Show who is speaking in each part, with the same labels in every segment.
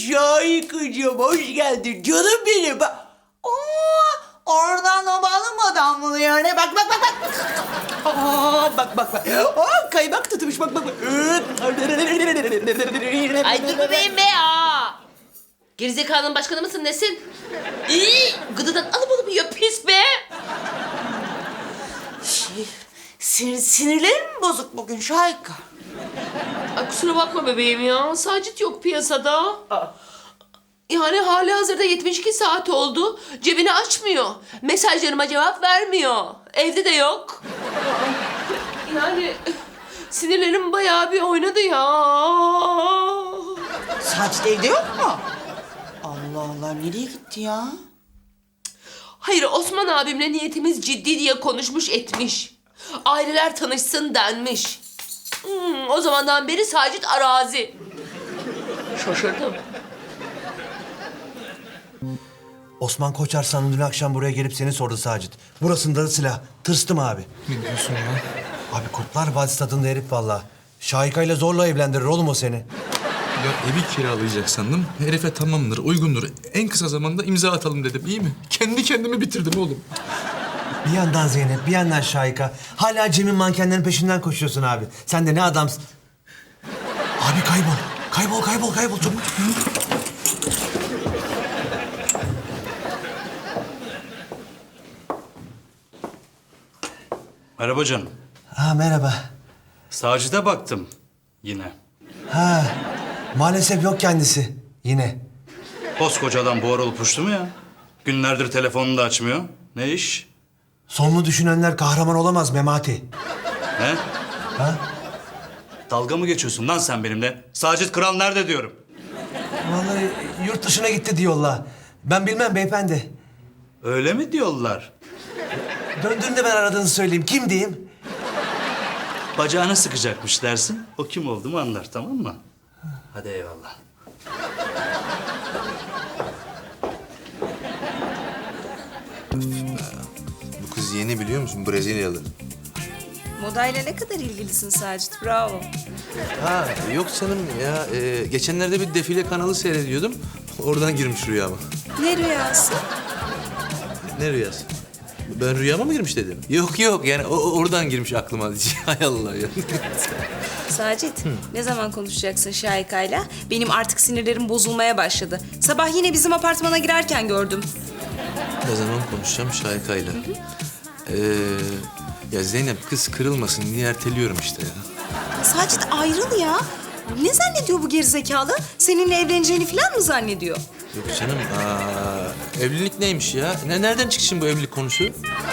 Speaker 1: Şahikacığım hoş geldin canım benim. Oradan o balım adamlı yani. Bak. Bak. Kaymak tutmuş bak.
Speaker 2: Ay dur bebeğim be ya. Gerizekalının başkanı mısın nesin? İyi, gıdıdan alıp yiyor pis be.
Speaker 1: Sinirlerim mi bozuk bugün Şahika?
Speaker 2: Ay kusura bakma bebeğim ya. Sacit yok piyasada. Yani hali hazırda 72 saat oldu. Cebini açmıyor. Mesajlarıma cevap vermiyor. Evde de yok. Yani sinirlerim bayağı bir oynadı ya.
Speaker 1: Sacit evde yok mu? Allah Allah nereye gitti ya?
Speaker 2: Hayır Osman abimle niyetimiz ciddi diye konuşmuş etmiş. Aileler tanışsın denmiş. O zamandan beri Sacit arazi. Şaşırdım.
Speaker 3: Osman Koçarslan dün akşam buraya gelip seni sordu Sacit. Burasında da silah. Tırstım abi.
Speaker 4: Ne diyorsun ya?
Speaker 3: Abi Kurtlar Vadisi tadında herif valla. Şahika'yla zorla evlendirir oğlum o seni.
Speaker 4: Ya evi kiralayacak sandım. Herife tamamdır, uygundur. En kısa zamanda imza atalım dedim, iyi mi? Kendi kendimi bitirdim oğlum.
Speaker 3: Bir yandan Zeynep, bir yandan Şahika. Hala Cem'in mankenlerin peşinden koşuyorsun abi. Sen de ne adamsın. Abi kaybol çabuk.
Speaker 5: Merhaba canım.
Speaker 3: Ha merhaba.
Speaker 5: Sacit'e baktım yine.
Speaker 3: Ha maalesef yok kendisi yine.
Speaker 5: Koskoca adam buhar olup uçtu mu ya? Günlerdir telefonunu da açmıyor. Ne iş?
Speaker 3: Sonunu düşünenler kahraman olamaz Memati.
Speaker 5: He?
Speaker 3: Ha?
Speaker 5: Dalga mı geçiyorsun lan sen benimle? Sacit Kral nerede diyorum.
Speaker 3: Vallahi yurt dışına gitti diyorlar. Ben bilmem beyefendi.
Speaker 5: Öyle mi diyorlar?
Speaker 3: Döndüğünde ben aradığınızı söyleyeyim. Kim diyeyim?
Speaker 5: Bacağını sıkacakmış dersin. O kim olduğumu anlar, tamam mı? Hadi eyvallah.
Speaker 6: Bu kız yeni biliyor musun? Brezilyalı.
Speaker 7: Modayla ne kadar ilgilisin Sacit, bravo.
Speaker 6: Ha yok canım ya. Geçenlerde bir defile kanalı seyrediyordum. Oradan girmiş rüyama.
Speaker 7: Ne rüyası?
Speaker 6: Ne rüyası? Ben rüyama mı girmiş dedim? Yok yani oradan girmiş aklıma. Hay Allah ya.
Speaker 7: Sacit, ne zaman konuşacaksın Şahika'yla? Benim artık sinirlerim bozulmaya başladı. Sabah yine bizim apartmana girerken gördüm.
Speaker 6: Ne zaman konuşacağım Şahika'yla? Ya Zeynep kız kırılmasın diye erteliyorum işte ya.
Speaker 7: Sacit ayrıl ya. Ne zannediyor bu gerizekalı? Seninle evleneceğini falan mı zannediyor?
Speaker 6: Yok canım. Evlilik neymiş ya? Nereden çıktı şimdi bu evlilik konusu?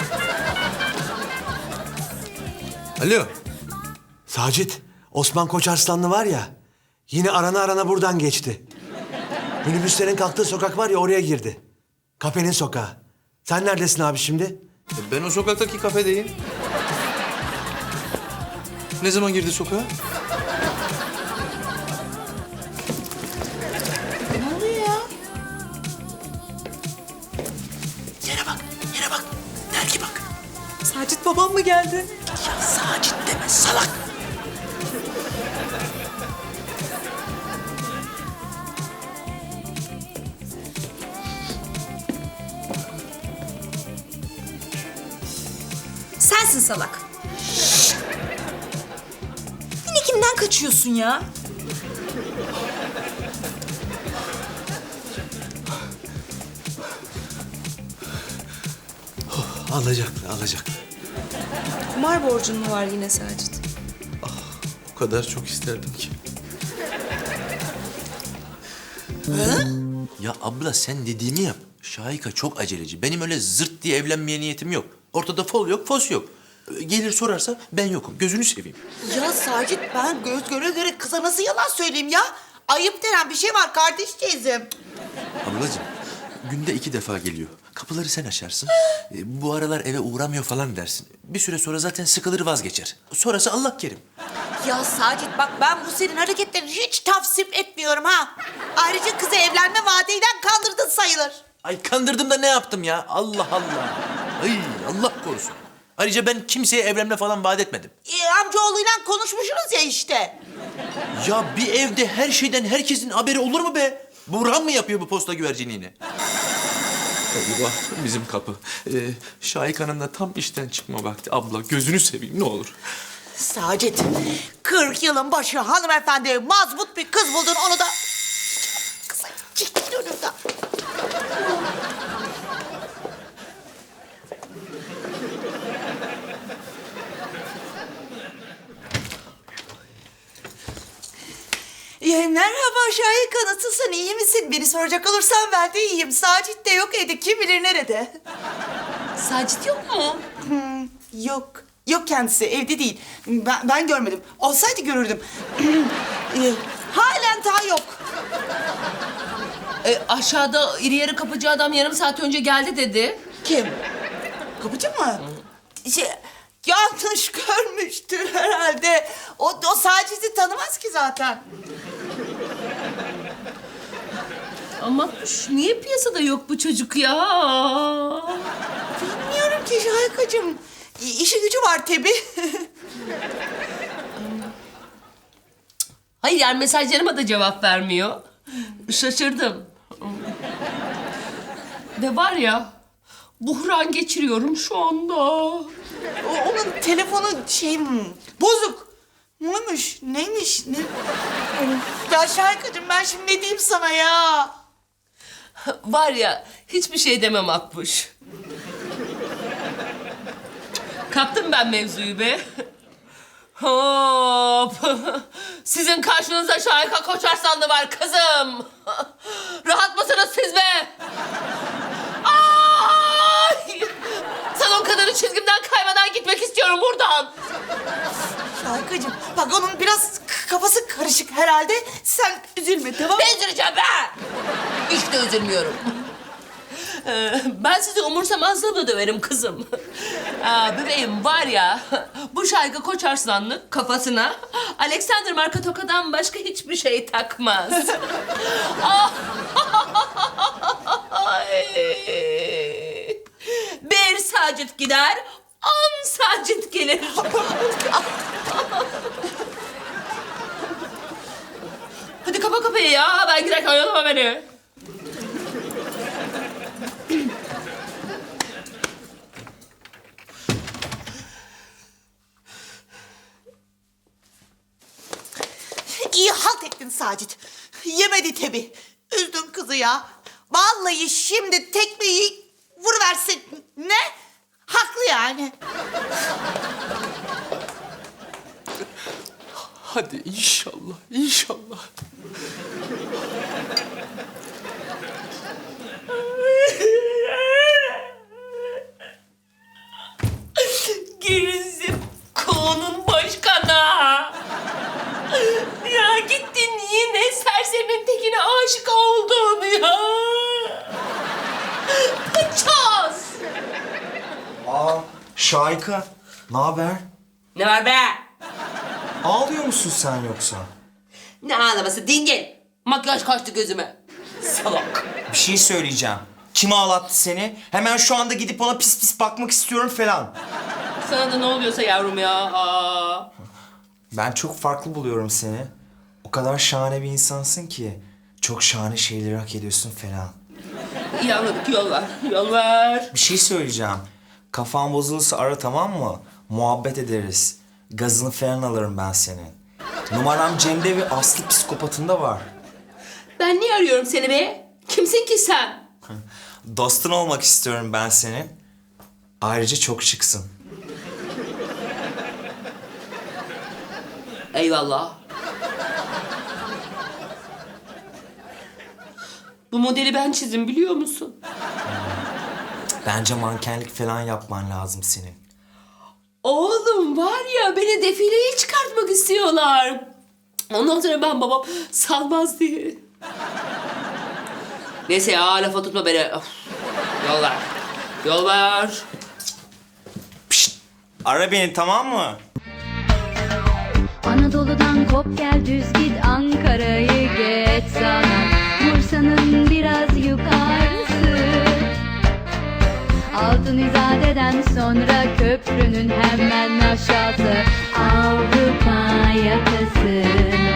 Speaker 6: Alo.
Speaker 3: Sacit, Osman Koçarslanlı var ya, yine arana buradan geçti. Minibüslerin kalktığı sokak var ya, oraya girdi. Kafenin sokağı. Sen neredesin abi şimdi?
Speaker 6: Ben o sokaktaki kafedeyim. Ne zaman girdi sokağa?
Speaker 1: Ne oluyor ya?
Speaker 3: Yere bak. Belki bak.
Speaker 7: Sacit babam mı geldi?
Speaker 3: Ya Sacit deme, salak.
Speaker 7: Sensin salak. Yine kimden kaçıyorsun ya?
Speaker 6: Alacaklı.
Speaker 7: Kumar borcun mu var yine Sacit?
Speaker 6: O kadar çok isterdim ki. Ya abla sen dediğimi yap. Şahika çok aceleci. Benim öyle zırt diye evlenmeye niyetim yok. Ortada fol yok, fos yok. Gelir sorarsa ben yokum. Gözünü seveyim.
Speaker 1: Ya Sacit ben göz göre kıza nasıl yalan söyleyeyim ya? Ayıp denen bir şey var kardeş teyzem.
Speaker 6: Ablacığım günde 2 defa geliyor. Kapıları sen açarsın. Bu aralar eve uğramıyor falan dersin. Bir süre sonra zaten sıkılır vazgeçer. Sonrası Allah kerim.
Speaker 1: Ya Sacit bak ben bu senin hareketlerini hiç tavsip etmiyorum ha. Ayrıca kızı evlenme vaadiyle kandırdın sayılır.
Speaker 6: Ay kandırdım da ne yaptım ya? Allah Allah. Ay Allah korusun. Ayrıca ben kimseye evlenme falan vaat etmedim.
Speaker 1: Amcaoğluyla konuşmuşsunuz ya işte.
Speaker 6: Ya bir evde her şeyden herkesin haberi olur mu be? Burhan mı yapıyor bu posta güvercinliğini? Eyvah, bizim kapı. Şahika'nın da tam işten çıkma vakti. Abla gözünü seveyim ne olur.
Speaker 1: Sacit, 40 yılın başı hanımefendi mazbut bir kız buldun onu da... Kızım çekil önümden. Merhaba Şahika, nasılsın, iyi misin? Beni soracak olursan ben de iyiyim. Sacit de yok evde, kim bilir nerede?
Speaker 2: Sacit yok mu?
Speaker 1: Yok. Yok kendisi, evde değil. Ben görmedim. Olsaydı görürdüm. Halen daha yok.
Speaker 2: Aşağıda iri yarı kapıcı adam yarım saat önce geldi dedi.
Speaker 1: Kim? Kapıcı mı? Yanlış görmüştür herhalde. O Sacit'i tanımaz ki zaten.
Speaker 2: Ama niye piyasada yok bu çocuk ya?
Speaker 1: Bilmiyorum ki Şahikacığım. İşi gücü var tabii.
Speaker 2: Hayır yani mesajlarıma da cevap vermiyor. Şaşırdım. Ve var ya, buhran geçiriyorum şu anda.
Speaker 1: Onun telefonu bozuk. Muymuş? Neymiş? Ne? Ya Şahikacığım ben şimdi ne diyeyim sana ya?
Speaker 2: Var ya, hiçbir şey demem Akbuş. Kaptım ben mevzuyu be. Hop! Sizin karşınızda Şahika Koçarslanlı var kızım. Rahat mısınız siz be? Ay! Salon kadını çizgimden kaymadan gitmek istiyorum buradan.
Speaker 1: Şahikacığım bak onun biraz kafası karışık herhalde. Sen üzülme tamam mı?
Speaker 2: Ne üzüleceğim be? Hiç de üzülmüyorum. Ben sizi umursamazlığımla döverim kızım. Bebeğim var ya, bu Şahika Koçarslanlı kafasına Alexander marka tokadan başka hiçbir şey takmaz. Bir Sacit gider, 10 Sacit gelir. Hadi kapa kapıyı ya, ben giderken oyalama beni.
Speaker 1: İyi halt ettin Sacit. Yemedi tabii. Üzdün kızı ya. Vallahi şimdi tekmeyi vuruversin. Ne? Haklı yani.
Speaker 6: Hadi inşallah, inşallah.
Speaker 2: Gerizim konun başkanı. Ya gittin yine serserinin tekine aşık oldun ya. Paçoz.
Speaker 8: Şahika, ne haber?
Speaker 2: Ne var be?
Speaker 8: Ağlıyor musun sen yoksa?
Speaker 2: Ne ağlaması dingil. Makyaj kaçtı gözüme. Salak.
Speaker 8: Bir şey söyleyeceğim. Kim ağlattı seni? Hemen şu anda gidip ona pis pis bakmak istiyorum falan.
Speaker 2: Sana da ne oluyorsa yavrum ya. Aa.
Speaker 8: Ben çok farklı buluyorum seni. O kadar şahane bir insansın ki. Çok şahane şeyleri hak ediyorsun falan.
Speaker 2: İyi anladık, yol ver. Yol ver.
Speaker 8: Bir şey söyleyeceğim. Kafan bozulursa ara tamam mı? Muhabbet ederiz. Gazını falan alırım ben senin. Numaram Cem'de ve Aslı psikopatında var.
Speaker 2: Ben niye arıyorum seni be? Kimsin ki sen?
Speaker 8: Dostun olmak istiyorum ben senin. Ayrıca çok şıksın.
Speaker 2: Eyvallah. Bu modeli ben çizdim biliyor musun?
Speaker 8: Bence mankenlik falan yapman lazım senin.
Speaker 2: Oğlum var ya, beni defileye çıkartmak istiyorlar. Ondan sonra ben babam salmaz diye. Neyse ya, lafa tutma beni. Of. Yol ver. Yol ver.
Speaker 8: Pişt, ara beni tamam mı?
Speaker 9: Anadolu'dan kop gel düz git Ankara'yı geç sana Bursa'nın biraz yukarısı Altın İzade'den sonra köprünün hemen aşağısı Avrupa yakası